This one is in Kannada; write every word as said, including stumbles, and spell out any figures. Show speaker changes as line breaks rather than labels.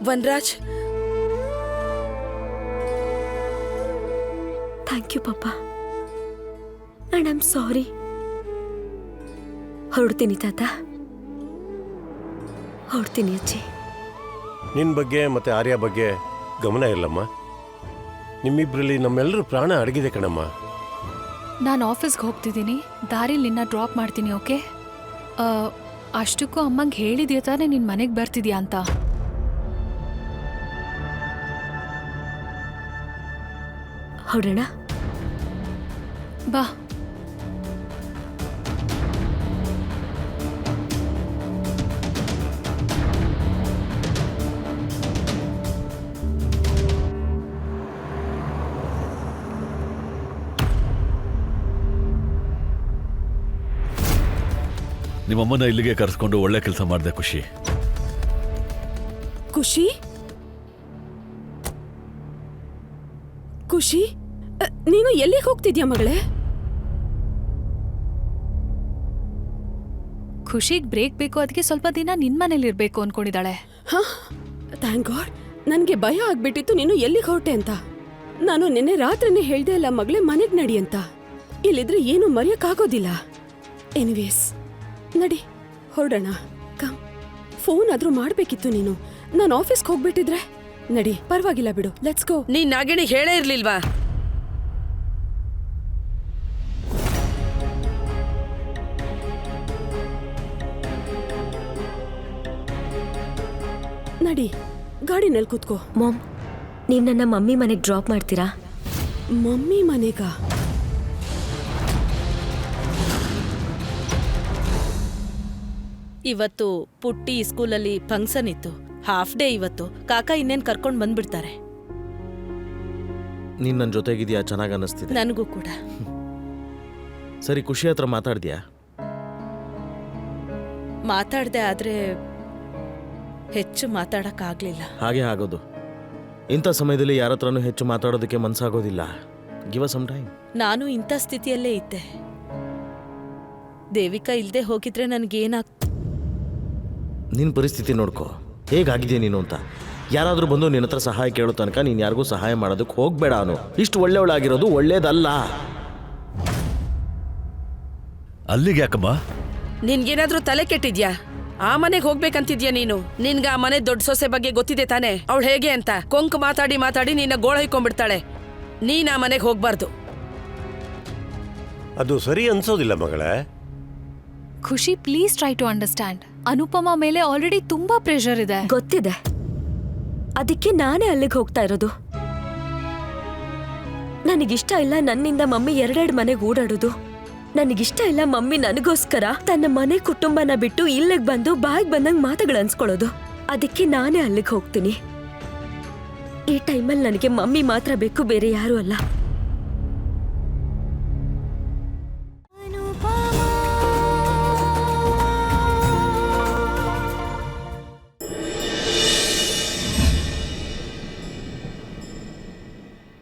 ವನರಾಜ್,
ಥ್ಯಾಂಕ್ ಯು ಪಾಪ. And I am sorry. ಹೊರಡ್ತೀನಿ ತಾತ, ಹೊರಡ್ತೀನಿ ಅಜ್ಜಿ.
ನಿನ್ನ ಬಗ್ಗೆ ಮತ್ತೆ ಆರ್ಯ ಬಗ್ಗೆ ಗಮನ ಇಲ್ಲಮ್ಮ. ನಿಮ್ಮಿಬ್ಬರಲ್ಲಿ ನಮ್ಮೆಲ್ಲರೂ ಪ್ರಾಣ ಅಡಗಿದೆ ಕಣಮ್ಮ.
ನಾನು ಆಫೀಸ್ಗೆ ಹೋಗ್ತಿದ್ದೀನಿ, ದಾರಿಲಿ ನಿನ್ನ ಡ್ರಾಪ್ ಮಾಡ್ತೀನಿ. ಓಕೆ? ಅಷ್ಟಕ್ಕೂ ಅಮ್ಮಂಗೆ ಹೇಳಿದ್ಯಾ ತಾನೇ ನಿನ್ನ ಮನೆಗೆ ಬರ್ತಿದ್ಯಾ ಅಂತ?
ಹೊರಡೋಣ
ಬಾ.
ನಿಮ್ಮಮ್ಮನ ಇಲ್ಲಿಗೆ ಕರೆಸ್ಕೊಂಡು ಒಳ್ಳೆ ಕೆಲಸ ಮಾಡಿದೆ ಖುಷಿ.
ಖುಷಿ ಖುಷಿ ನೀನು ಎಲ್ಲಿಗೆ ಹೋಗ್ತಿದ್ಯಾ ಮಗಳೇ?
ಖುಷಿಗೆ ಬ್ರೇಕ್ ಬೇಕು, ಅದಕ್ಕೆ ಸ್ವಲ್ಪ ದಿನ ನಿನ್ ಮನೇಲಿ ಇರ್ಬೇಕು ಅನ್ಕೊಂಡಿದ್ದಾಳೆ.
ಹಾ, ಥ್ಯಾಂಕ್ ಗಾಡ್. ನನ್ಗೆ ಭಯ ಆಗ್ಬಿಟ್ಟಿತ್ತು ನೀನು ಎಲ್ಲಿಗೆ ಹೊರಟೆ ಅಂತ. ನಾನು ನಿನ್ನೆ ರಾತ್ರಿನೇ ಹೇಳ್ದೆ ಅಲ್ಲ ಮಗಳೇ ಮನೆಗ್ ನಡಿ ಅಂತ. ಇಲ್ಲಿದ್ರೆ ಏನು ಮರೆಯಕ್ಕಾಗೋದಿಲ್ಲ. ಎನಿವೇಸ್ ನಡಿ ಹೊರಡೋಣ. ಕಮ್. ಫೋನ್ ಆದ್ರೂ ಮಾಡ್ಬೇಕಿತ್ತು ನೀನು. ನಾನು ಆಫೀಸ್ಗೆ ಹೋಗ್ಬಿಟ್ಟಿದ್ರೆ. ನಡಿ, ಪರವಾಗಿಲ್ಲ ಬಿಡು, ಲೆಟ್ಸ್ ಗೋ.
ನೀನ್ ನಾಗೇಣಿ ಹೇಳೇ ಇರ್ಲಿಲ್ವಾ?
ನಡಿ, ಗಾಡಿನಲ್ಲಿ ಕೂತ್ಕೋ.
ಮಾಮ್, ನೀವು ನನ್ನ ಮಮ್ಮಿ ಮನೆಗೆ ಡ್ರಾಪ್ ಮಾಡ್ತೀರಾ?
ಮಮ್ಮಿ ಮನೆಗ?
ಇವತ್ತು ಪುಟ್ಟಿ ಸ್ಕೂಲಲ್ಲಿ ಫಂಕ್ಷನ್ ಇತ್ತು, ಹಾಫ್ ಡೇ ಇವತ್ತು. ಕಾಕ ಇನ್ನೇನ್ ಕರ್ಕೊಂಡ್ ಬಂದ್ಬಿಡ್ತಾರೆ.
ನೀನ್ ನನ್ನ ಜೊತೆಗಿದ್ಯಾ? ಚೆನ್ನಾಗಿ ಅನ್ನಿಸ್ತಿದೆ
ನನಗೂ ಕೂಡ.
ಸರಿ, ಖುಷಿ ಹತ್ರ ಮಾತಾಡ್ದ್ಯಾ?
ಮಾತಾಡ್ದೆ, ಆದ್ರೆ ಹೆಚ್ಚು ಮಾತಾಡಕ್ ಆಗ್ಲಿಲ್ಲ.
ಹಾಗೆ ಆಗೋದು. ಇಂಥ ಸಮಯದಲ್ಲಿ ಯಾರ ಹತ್ರನೂ ಹೆಚ್ಚು ಮಾತಾಡೋದಕ್ಕೆ ಮನ್ಸಾಗೋದಿಲ್ಲ. Give us some time.
ನಾನು ಇಂಥ ಸ್ಥಿತಿಯಲ್ಲೇ ಇದ್ದೆ. ದೇವಿಕಾ ಇಲ್ದೆ ಹೋಗಿದ್ರೆ ನನ್ಗೇನಾಗ್.
ನಿನ್ನ ಪರಿಸ್ಥಿತಿ ನೋಡ್ಕೋ, ಹೇಗಾಗಿದೆ ನೀನು ಅಂತ. ಯಾರಾದರೂ ಬಂದು ನಿನ್ನ ಹತ್ರ ಸಹಾಯ ಕೇಳೋ ತನಕ ನೀನು ಯಾರಿಗೂ ಸಹಾಯ ಮಾಡೋದಕ್ಕೆ ಹೋಗ್ಬೇಡ. ಅವನು ಇಷ್ಟು ಒಳ್ಳೆಯವಳಾಗಿರೋದು ಒಳ್ಳೇದಲ್ಲ.
ಅಲ್ಲಿಗೆ ಯಾಕಮ್ಮ?
ನಿನ್ಗೇನಾದ್ರೂ ತಲೆ ಕೆಟ್ಟಿದ್ಯಾ? ಆ ಮನೆಗೆ ಹೋಗ್ಬೇಕಂತಿದ್ಯಾ ನೀನು? ನಿನ್ಗ ಆ ಮನೆ ದೊಡ್ಡ ಸೊಸೆ ಬಗ್ಗೆ ಗೊತ್ತಿದೆ ತಾನೆ, ಅವಳು ಹೇಗೆ ಅಂತ. ಕೊಂಕು ಮಾತಾಡಿ ಮಾತಾಡಿ ನಿನ್ನ ಗೋಳ ಹೊಯ್ಕೊಂಡ್ಬಿಡ್ತಾಳೆ. ನೀನ್ ಆ ಮನೆಗೆ ಹೋಗ್ಬಾರ್ದು.
ಅದು ಸರಿ ಅನ್ಸೋದಿಲ್ಲ ಮಗಳೇ.
Khushi, please try to understand. Anupama ಮೇಲೆ ಆಲ್ರೆಡಿ ತುಂಬಾ ಪ್ರೆಷರ್ ಇದೆ.
ಗೊತ್ತಿದೆ, ಅದಕ್ಕೆ ನಾನೇ ಅಲ್ಲಿಗೆ ಹೋಗ್ತಾ ಇರೋದು. ನನಗಿಷ್ಟ ಇಲ್ಲ ನನ್ನಿಂದ ಮಮ್ಮಿ ಎರಡೆರಡು ಮನೆಗೆ ಓಡಾಡೋದು. ನನಗಿಷ್ಟ ಇಲ್ಲ ಮಮ್ಮಿ ನನಗೋಸ್ಕರ ತನ್ನ ಮನೆ ಕುಟುಂಬನ ಬಿಟ್ಟು ಇಲ್ಲಿಗೆ ಬಂದು ಬಾಯಿಗೆ ಬಂದಂಗೆ ಮಾತುಗಳು ಅನ್ಸ್ಕೊಳ್ಳೋದು. ಅದಕ್ಕೆ ನಾನೇ ಅಲ್ಲಿಗೆ ಹೋಗ್ತೀನಿ. ಈ ಟೈಮಲ್ಲಿ ನನಗೆ ಮಮ್ಮಿ ಮಾತ್ರ ಬೇಕು, ಬೇರೆ ಯಾರೂ ಅಲ್ಲ.